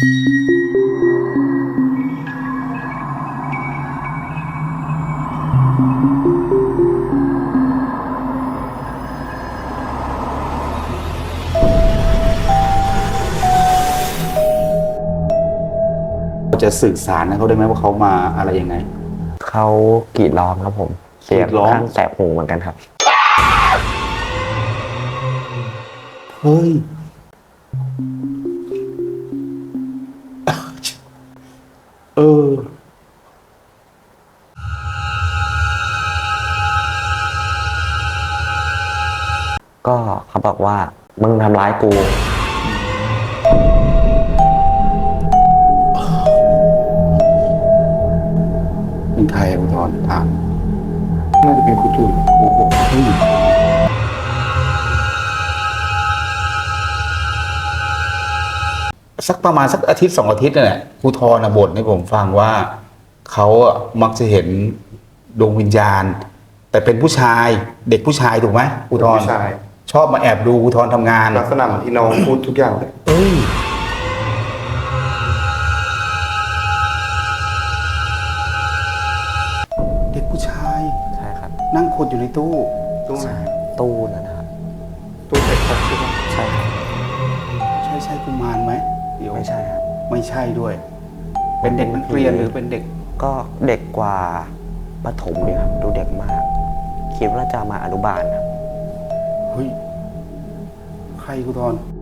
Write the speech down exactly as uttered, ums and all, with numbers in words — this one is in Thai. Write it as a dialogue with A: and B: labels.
A: จะสื่อสารให้เขาได้ไหมว่าเขามาอะไรยังไง
B: เขากรีดร้องครับผมเสียงข้างแสบหูเหมือนกันครับ
A: เฮ้ยเออ
B: ก็เขาบอกว่ามึงทำร้ายกู
A: เป็นใครอุทธรถามน่าจะเป็นครูตุ้ยโอ้โหสักประมาณสักอาทิตย์สองอาทิตย์นั่นแหละครูทรนะบ่นให้ผมฟังว่าเขาอะมักจะเห็นดวงวิญญาณแต่เป็นผู้ชายเด็กผู้ชายถูกไหมครูทร
C: ผู้ชาย
A: ชอบมาแอบดูครูทรทำงาน
C: ลักษณะเหมือนที่น้องพูดทุกอย่างเลย
A: เอ้ยเด็กผู้ชาย
B: ใช่ครับ
A: นั่งคนอยู่ในตู้
C: ตู้ไหน
B: ตู้นั่นนะครับ
C: ตู้เด็กครับใช่ไหม
B: ใช่ครับ
A: ใช่ใช่กุมารไหมเดี๋ยว
B: ไม่ใช่ครับ
A: ไม่ใช่ด้วย เป็นเด็กนักเรียนหรือเป็นเด็ก
B: ก็เด็กกว่าประถมเนี่ยครับดูเด็กมากคิดว่าจะมาอนุบาลครับ
A: เฮ้ย ใครครูทร